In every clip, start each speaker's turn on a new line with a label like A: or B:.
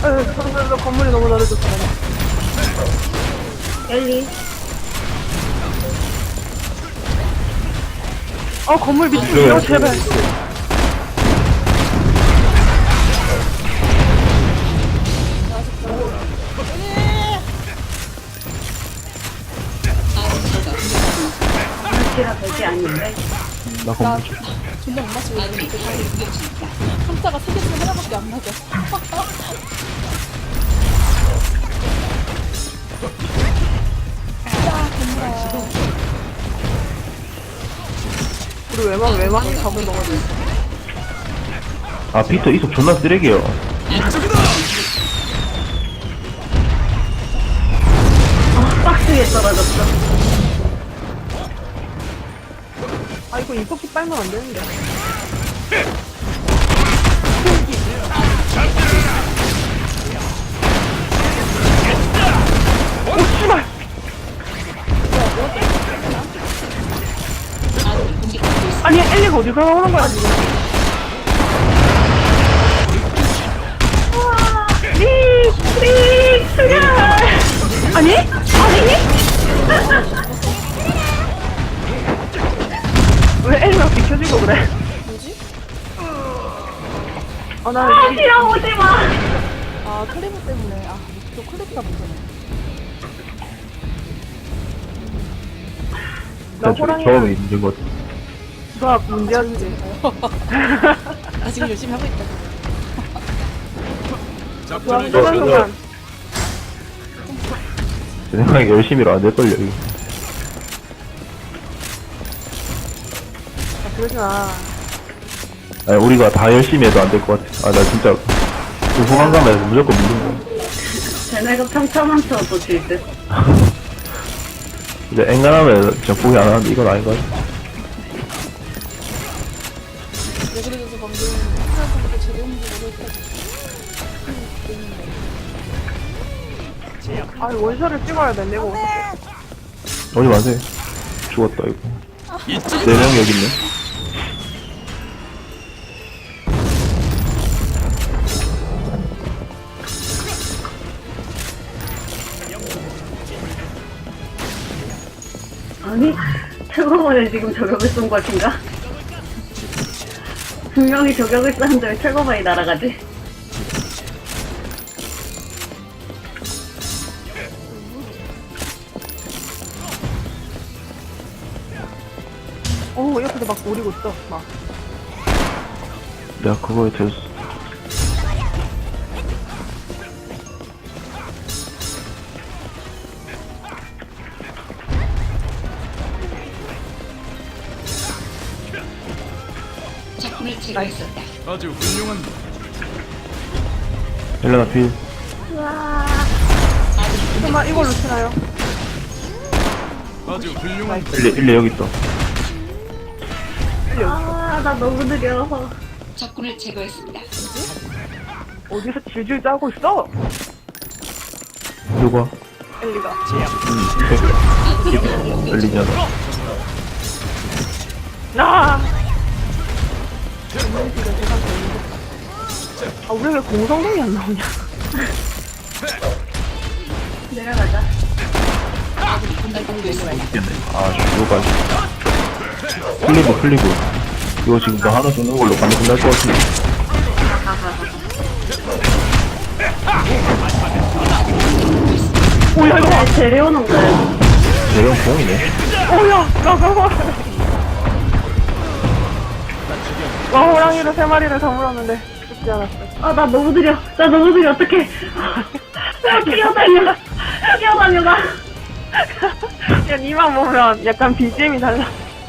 A: 건물이 너무 넓어졌어.
B: 엘리.
A: 건물 밑으로 제발.
B: 아치라 별게 아닌데.
C: 나 건물 좀.
D: 존나 못 맞추고 있는데 한자가 세 개 중에 하나밖에 안 맞아.
A: 우리 외만이 잡은 거거든.
C: 아, 피터 이속 존나 쓰레기야.
B: 박스에 떨어졌어.
A: 이거 이렇게 빨면 안 되는데. 씨발! 아니, 엘리가 어디서 나오는 거야, 지금? 수야! 아니? 왜 엘리가 비켜주고 그래?
D: 뭐지?
A: 나
B: 싫어, 오지 마.
D: 아 클리브 때문에. 또 클리브가 문제네.
A: 나 호랑이랑
C: 처음에 있는 것 같아.
A: 누가 문제였지.
D: 나 지금 열심히 하고 있다.
A: 누가 흔드는 순간.
C: 제 생각에 열심히로 안 될걸요, 이거.
A: 그러지 마.
C: 아니, 우리가 다 열심히 해도 안 될 것 같아. 나 진짜, 그 후반 가면 무조건 믿는 거야.
B: 쟤네가 평타만 쳐도 질 듯.
C: 이제 앵간하면 진짜 포기 안 하는데 이건 아닌 것 같아.
D: 왜 그래서 방금 하나도 제대로 모르겠다.
A: 원샷을 찍어야 돼, 내가.
C: 오지 마세요. 죽었다, 이거. 4명 여기 있네.
B: 아니, 최고번에 지금 저격을 쏜 것인가? 분명히 저격을 쐈는데 왜 최고번이 날아가지?
A: 옆에서 막 노리고 있어, 막.
C: 내가 그거에 대해서.
E: 적군을 제거했었다.
F: 아주 훌륭한
C: 헬레나 필.
A: 설마 이걸로 치나요?
F: 아주 훌륭한
C: 일레 여기 있다.
B: 나 너무 느려서.
E: 적군을 제거했습니다.
A: 어디서 질질 짜고 있어?
C: 누가?
A: 엘리가.
C: 엘리냐다.
A: 우리 왜 공성능이 안 나오냐?
B: 내려가자.
C: 누가. 클리브. 이거 지금 나 하나 쏘는 걸로 가면 끝날 것 같은데.
A: 오야, 이거 봐!
B: 데려오는 거야.
C: 대형 공이네.
A: 호랑이를 3마리를 다물었는데 죽지 않았어.
B: 나 너무 느려. 어떡해. 뛰어다녀. 나.
A: 야, 니만 보면 약간 BGM이 달라.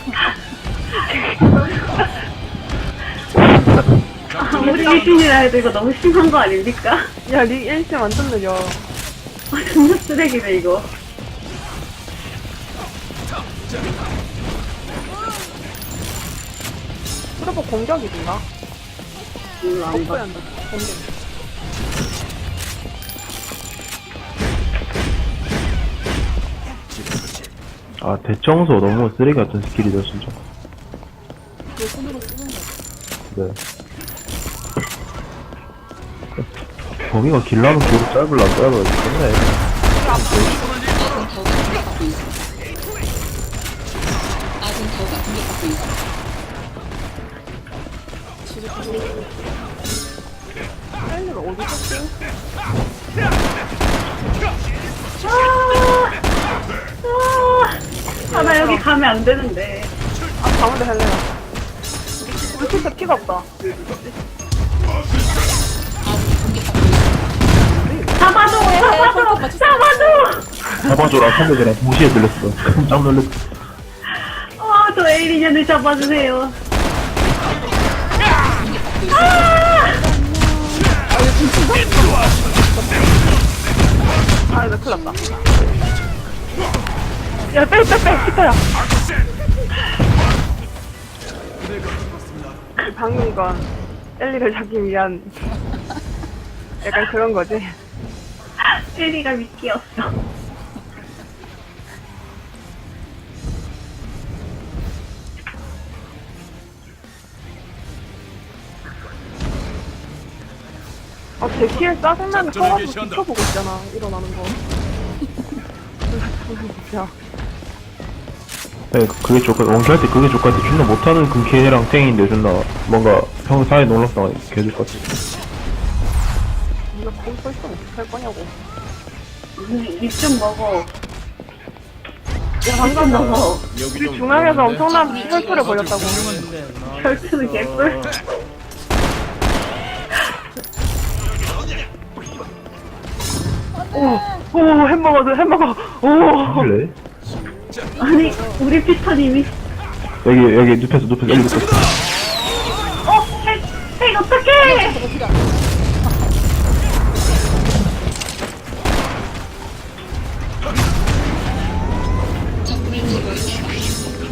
B: 아무리 1신이라 해도 이거 너무 심한 거 아닙니까?
A: 야, 니 1심 완전 느려.
B: 존나 쓰레기네, 이거.
A: 트로퍼 공격이든가?
B: 몰라, 안
A: 뽀뽀야
B: 봐.
A: 한다. 공격.
C: 대청소 너무 쓰레기 같은 스킬이다, 진짜.
D: 내 손으로 쓰는 거.
C: 네. 거기가 길라면 계속 짧을라 짧아야 좋네.
E: 아군 타워가 공격받고 있습니다.
A: 헬리가 어디 있었지?
B: 나 여기 가면 안 되는데.
A: 아, 가운데 헬레나. 우리 진짜 피가 없다.
B: 잡아줘! 잡아줘! 잡아줘!
C: 잡아줘라 선배들랑 동시에 들렸어. 깜짝 놀랐어.
B: 저 에이리년을 잡아주세요.
A: 아, 나 큰일 났다. 야, 빼, 피터야. 방금 이건 엘리를 잡기 위한 약간 그런 거지.
B: 에이리가 미끼였어.
A: 제 키에 짜증나게 서가지고 지켜보고 있잖아, 일어나는 거. 진짜.
C: 네, 그게 좋고 원키할 때 그게 좋을 것 같아. 존나 못하는 그 걔랑 탱인데 존나 뭔가 형 사회 놀랍다가 개줄 것 같아.
A: 네가 거기 서 있으면 어떡할 거냐고.
B: 입 좀 먹어.
A: 야, 방금
B: 먹어.
A: 우리 중앙에서 엄청난 혈투를 벌였다고.
B: 혈투는 개꿀.
A: 오, 햄버거. 오.
C: 할래?
B: 아니, 우리 피터님이.
C: 여기 눕혔어 엘리 눕혔어.
B: 헤이, 어떡해!
D: 저거 필요 안 돼.
E: 적군을 제거했습니다.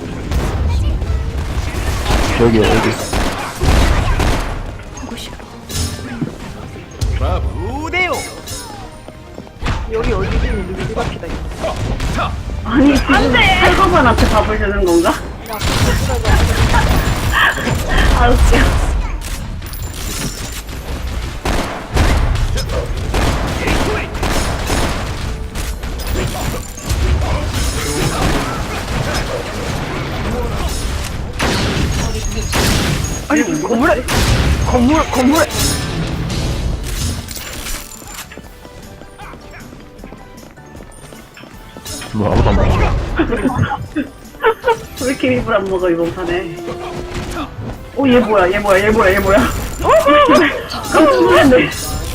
C: 여기
A: 여기 어디지? 누구 앞이다, 이거.
B: 아니, 지금 탈거반한테 밥을 주는 건가? 아, 웃겨.
A: 아니, 건물에.
C: 뭐 아무도 안 먹어.
B: 왜 이렇게 입을 안 먹어, 이번 판에. 얘 뭐야. 깜짝 놀랐네.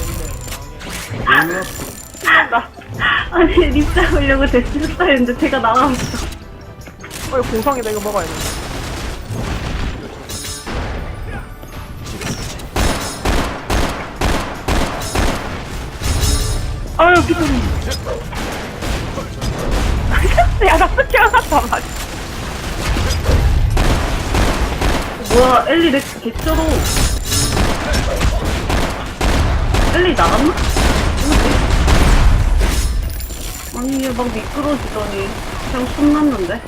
B: 아니, 립 잡으려고 데스했다 했는데 제가 나가봤어.
A: 이거 공성이다, 이거 먹어야 돼. 아유, 피터님. 야, 나 스킬 하나도 안 맞아.
B: 뭐야, 엘리 렉스 개쩔어. 엘리 나갔나? 아니, 얘 막 미끄러지더니 그냥 손 났는데?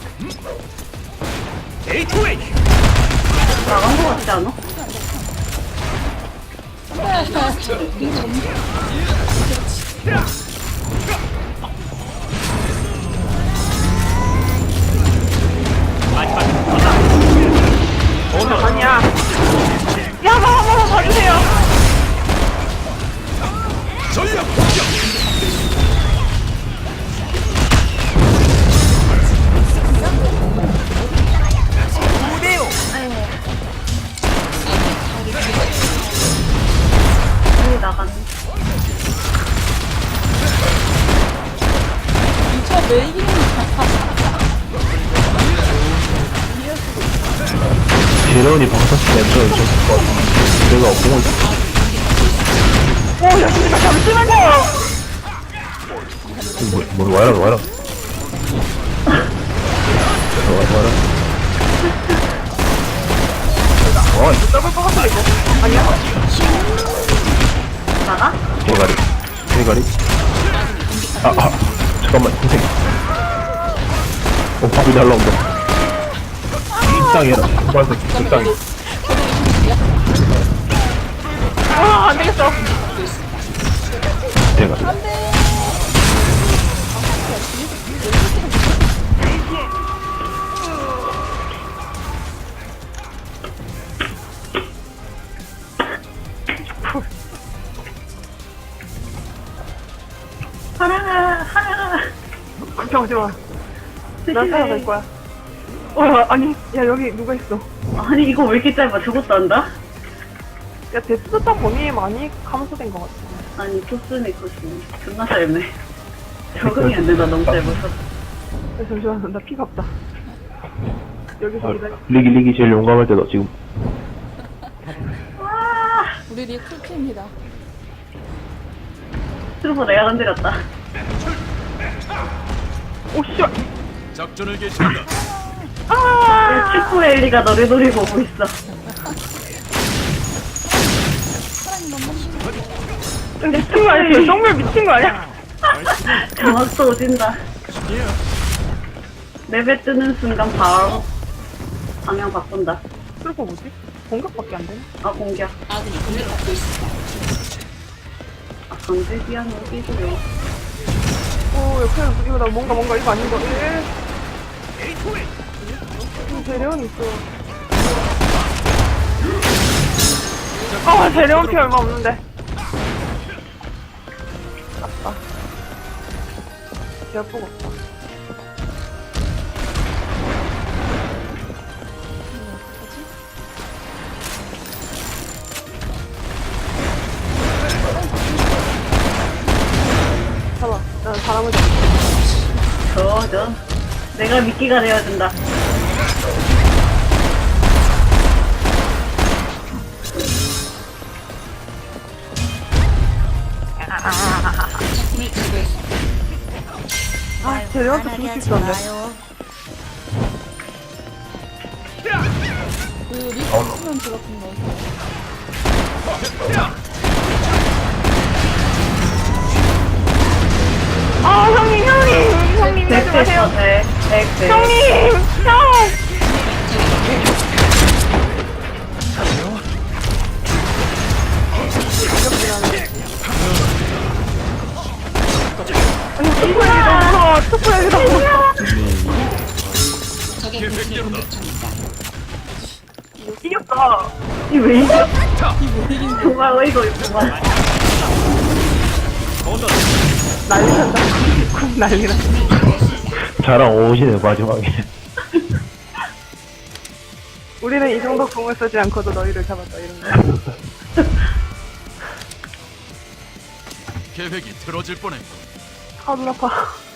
B: 나간 거 같지 않아?
A: 아니야. 야, 한번 봐주세요.
B: 엘리 나갔네.
D: 저 메이킹
C: 재련이 방사식 냈죠 이제 것 같은데 내가 공을
A: 오, 야, 진짜 잠시만요.
C: 뭐 와라 와라
A: 더블 것 같은데, 이거. 아니야?
B: 나가?
C: 대가리 잠깐만 선생 밥이 날라온다 적당히 해라 빨간색 적당히
A: 아, 안 되겠어.
C: 제가.
B: 하랑아, 하랑아.
A: 걱정하지 마. 난
B: 조심해.
A: 살아갈 거야. 아니, 야, 여기 누가 있어.
B: 아니, 이거 왜 이렇게 짧아? 저것도 안다?
A: 야, 데스타 범위에 많이 감소된 것 같아.
B: 아니, 토스네, 토스네. 존나 짧네. 적응이 안 된다, 너무 짧아서.
A: 야, 잠시만, 나 피가 없다. 여기서
C: 아,
A: 기다려.
C: 리기 제일 용감할 때다 지금.
D: 우리 리 쿨팀이다.
B: 트루퍼 내가 건드렸다.
A: 오, 씨발.
F: 작전을 개시한다.
B: 슈퍼 엘리가 너를 노리고 오고 있어.
A: 미친 거 아니야? 정말 미친 거 아니야?
B: 정확도 오진다. 맵에 뜨는 순간 바로 방향 바꾼다.
A: 그리고 뭐지? 공격밖에 안 되나?
B: 아, 공격.
E: 아군이 공격받고 있습니다.
B: 아, 강제기한 어디고요.
A: 오, 옆에 이거 나 뭔가 이거 아닌 거. 재련이 있어. 재련 피 얼마 없는데. 아빠. 제가 보고 없다. 잡아. 난 사람을
B: 저. 내가 미끼가 되어준다.
E: 적군을 제거했습니다.
A: 재련한테 죽을 수 있었는데.
D: 그 리스트면 들어간 거.
A: 형님, 하지 마세요.
B: 백.
A: 형님, 형! 투표 얘기 너무 무서워.
E: 적의 공격을 공격 중입니다.
A: 이겼다.
B: 이왜 이겨? 정말 어이가 없구만.
A: 난리 난다. 쿵 난리 나.
C: 자랑 오시네 마지막에.
A: 우리는 이 정도 공을 쓰지 않고도 너희를 잡았다, 이런 거.
F: 계획이 틀어질 뻔했고
A: 눈 아파.